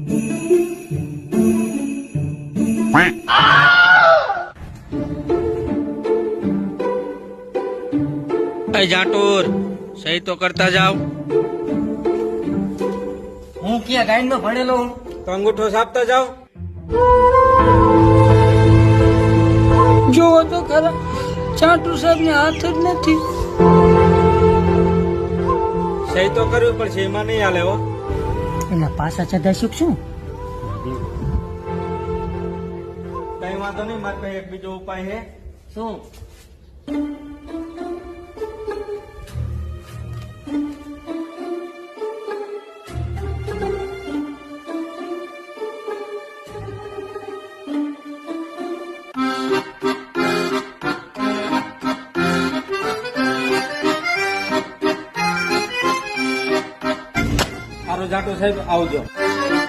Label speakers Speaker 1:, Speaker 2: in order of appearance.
Speaker 1: जाटूर सही तो करता जाओ।
Speaker 2: हूँ क्या गाइन में भणेलो हूँ
Speaker 1: तो अंगूठो छापता जाओ।
Speaker 3: जो तो खरा चाटू साहब ने हाथ ज नहीं।
Speaker 1: सही तो करवी पड़शे, एमां नहीं हाले हो।
Speaker 3: एना पासा चदाशुक छू।
Speaker 1: कई वांधो नहीं, मारे पासे एक बीजो उपाय है।
Speaker 2: शू
Speaker 1: जाटो साहेब आवजो।